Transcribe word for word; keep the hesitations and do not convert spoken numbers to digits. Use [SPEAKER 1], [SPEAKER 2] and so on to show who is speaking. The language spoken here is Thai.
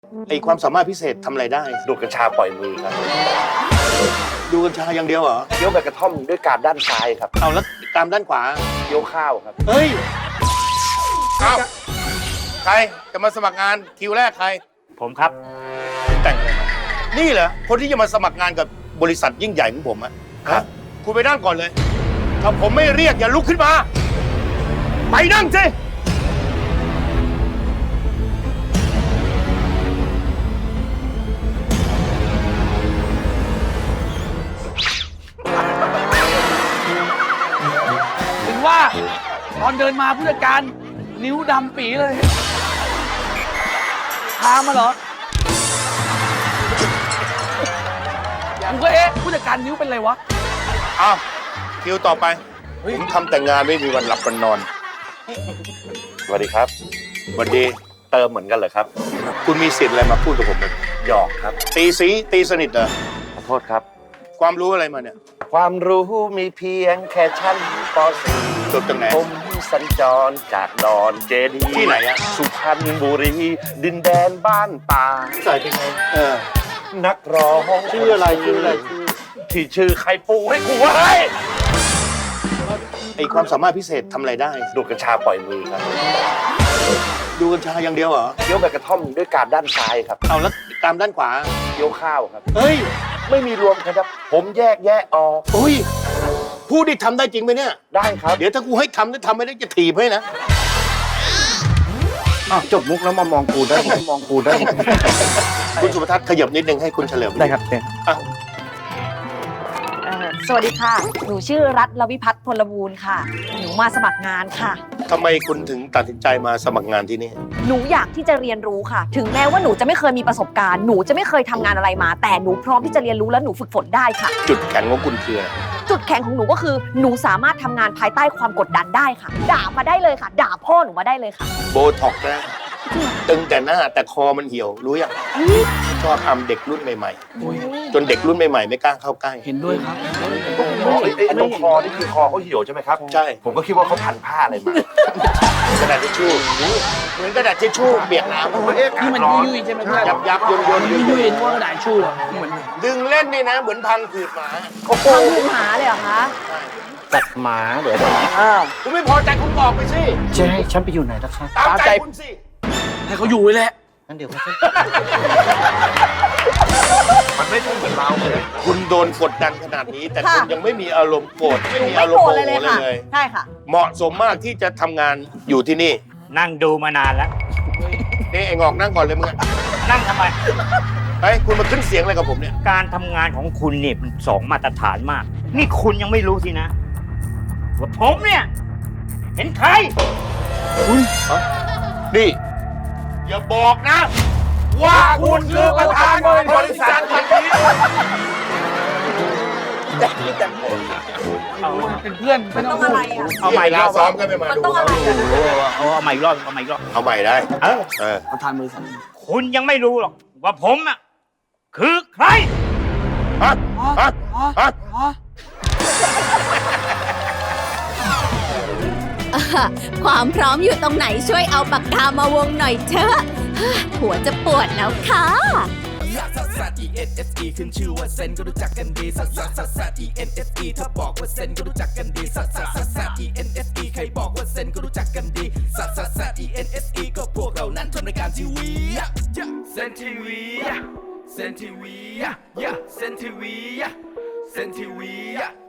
[SPEAKER 1] ไอความสามารถพิเศษทำอะไรได้
[SPEAKER 2] ดูดกัญชาปล่อยมือครับ
[SPEAKER 1] ดูกัญชาอย่างเดียวเหรอ
[SPEAKER 2] เคี้ยวใบกระท่อมด้วยการด้านซ้ายครับ
[SPEAKER 1] เอาแล้วกรามด้านขวา
[SPEAKER 2] เคี้ยวข้าวครับ
[SPEAKER 1] เฮ้ย
[SPEAKER 3] เอาใครจะมาสมัครงานคิวแรกใคร
[SPEAKER 4] ผมครับ
[SPEAKER 1] แต่งอะไรมานี่เหรอคนที่จะมาสมัครงานกับบริษัทยิ่งใหญ่ของผมอะครับคุณไปนั่งก่อนเลยถ้าผมไม่เรียกอย่าลุกขึ้นมาไปนั่งสิ
[SPEAKER 5] ถึงว่าตอนเดินมาผู้จัดการนิ้วดำปีเลยพามาเหรอกูก็เอ๊ะผู้จัดการนิ้วเป็นไรวะ
[SPEAKER 1] อ้าวคิวต่อไปผมทำแต่งงานไม่มีวันหลับวันนอน
[SPEAKER 2] สวัสดีครับ
[SPEAKER 1] สวัสดี
[SPEAKER 2] เติมเหมือนกันเหรอครับ
[SPEAKER 1] คุณมีสิทธิ์อะไรมาพูดกับผมเลย
[SPEAKER 2] หยอกครับ
[SPEAKER 1] ตีสีตีสนิทเหรอ
[SPEAKER 2] ขอโทษครับ
[SPEAKER 1] ความรู้อะไรมาเนี่ย
[SPEAKER 2] ความรู้มีเพียงแค่ชั้นป .สี่
[SPEAKER 1] จบจากไหน
[SPEAKER 2] ผมสัญจรจากดอนเจดี
[SPEAKER 1] ที่ไหนอะ
[SPEAKER 2] สุพรรณบุรีดินแดนบ้านป่า
[SPEAKER 1] ใส่เป็นไงเออ
[SPEAKER 2] นักร้อง
[SPEAKER 1] ชื่ออะไรชื่ออะไร
[SPEAKER 2] ที่ชื่อใครปูให้กูไว้
[SPEAKER 1] ไอความสามารถพิเศษทำอะไรได้
[SPEAKER 2] ดูดกัญชาปล่อยมือครับ
[SPEAKER 1] ดูกัญชาอย่างเดียวเหรอ
[SPEAKER 2] เคี้ยวใบกระท่อมด้วยการด้านซ้ายครับ
[SPEAKER 1] เอาแล้วกรามด้านขวา
[SPEAKER 2] เคี้ยวข้าวครับ
[SPEAKER 1] เฮ้ย
[SPEAKER 2] ไม่มีรวมครับผมแยกแยะออก
[SPEAKER 1] อุ้ยพูดดิทำได้จริงไหมเนี่ย
[SPEAKER 2] ได้ครับ
[SPEAKER 1] เดี๋ยวถ้ากูให้ทำแล้วทำไม่ได้จะถีบให้นะ
[SPEAKER 2] จบมุกแล้วมามองกูได้มองกูได้
[SPEAKER 1] คุณสุภทัศน์ขยับนิดนึงให้คุณเฉลิม
[SPEAKER 2] ได้ครับ
[SPEAKER 1] อ่ะ
[SPEAKER 6] สวัสดีค่ะหนูชื่อรัตน์ ลวิพัฒน์ พลบูรณ์ค่ะหนูมาสมัครงานค่ะ
[SPEAKER 1] ทำไมคุณถึงตัดสินใจมาสมัครงานที่นี่
[SPEAKER 6] หนูอยากที่จะเรียนรู้ค่ะถึงแม้ว่าหนูจะไม่เคยมีประสบการณ์หนูจะไม่เคยทำงานอะไรมาแต่หนูพร้อมที่จะเรียนรู้และหนูฝึกฝนได้ค่ะ
[SPEAKER 1] จุดแข็งของคุณคืออะไร
[SPEAKER 6] จุดแข็งของหนูก็คือหนูสามารถทำงานภายใต้ความกดดันได้ค่ะด่ามาได้เลยค่ะด่าพ่อหนูมาได้เลยค่ะ
[SPEAKER 1] โบท็อกนะตึงแต่หน้าแต่คอมันเหี่ยวรู้ยังชอบทำเด็กรุ่นใหม่ๆจนเด็กรุ่นใหม่ๆไม่กล้าเข้าใกล้
[SPEAKER 5] เห็นด้วยครับ
[SPEAKER 2] ไอ้ตรงคอนี่คือคอเขาเหี่ยวใช่ไหมครับ
[SPEAKER 1] ใช่
[SPEAKER 2] ผมก็คิดว่าเขาพันผ้าอะไรมาก
[SPEAKER 1] ระดาษทิชชู่เหมือนกระดาษทิชชู่เปียกน้ำ
[SPEAKER 5] นี่มันยุ่ยๆใช่ไหม
[SPEAKER 1] ยับยับยนยน
[SPEAKER 5] ยุ่ยๆว่ากระดาษชู่เหมือน
[SPEAKER 1] ดึงเล่นนี่นะเหมือนพังผืดหมา
[SPEAKER 6] พังผืดหมาเลยเหรอคะ
[SPEAKER 2] ตัดหมาเดี๋ยว
[SPEAKER 1] คุณไม่พอใจคุณบอกไปสิ
[SPEAKER 2] จะให้ฉันไปอยู่ไหนนะครับ
[SPEAKER 1] ตามใจคุณสิ
[SPEAKER 5] ให้เขาอยู่เลยแหละ
[SPEAKER 2] งั้นเดี๋ยวเขามันไม่ใช่เหมือนเราเลย
[SPEAKER 1] คุณโดนกดดันขนาดนี้แต่คุณยังไม่มีอารมณ์โกรธไม่มีอารมณ์โมโหเลย
[SPEAKER 6] ใช่ค่ะ
[SPEAKER 1] เหมาะสมมากที่จะทำงานอยู่ที่นี่
[SPEAKER 4] นั่งดูมานานแล้ว
[SPEAKER 1] นี่ไอ้งอกนั่งก่อนเลยมึง
[SPEAKER 4] นั่งทำไม
[SPEAKER 1] เฮ้ยคุณมาขึ้นเสียงอะไรกับผมเนี่ย
[SPEAKER 4] การทำงานของคุณเนี่ยมันสองมาตรฐานมากนี่คุณยังไม่รู้สินะว่าผมเนี่ยเห็นใคร
[SPEAKER 1] คุณนี่อย่าบอกนะว่าคุณคือประธานบริษัทแห่งนี้
[SPEAKER 5] เป็นเพื่อนไม่ต้องอะไร
[SPEAKER 6] อ่ะ
[SPEAKER 1] เอาใหม่แล้วซ้อมกันไปมาดู
[SPEAKER 4] เอาเอาใหม่รอบเอาใหม่รอบ
[SPEAKER 1] เอาใหม่ได้เออเออ
[SPEAKER 5] ประธานบริษัท
[SPEAKER 4] คุณยังไม่รู้หรอกว่าผมอ่ะคือใคร
[SPEAKER 1] ฮะฮะฮะ
[SPEAKER 7] ความพร้อมอยู่ตรงไหนช่วยเอาปากกามาวงหน่อยเถอะหัวจะปวดแล้วค่ะซัสซัส อี เอ็น เอส อี ขึ้นชื่อว่าเซนก็รู้จักกันดีซัสซัสซัสซัส อี เอ็น เอส อี ถ้าบอกว่าเซนก็รู้จักกันดีซัสซัสซัสซัส อี เอ็น เอส อี ใครบอกว่าเซนก็รู้จักกันดีซัสซัสซัส อี เอ็น เอส อี ก็พวกเรานั้นทำรายการทีวีเซนทีวีเซนทีวีเซนทีวีเซนทีวี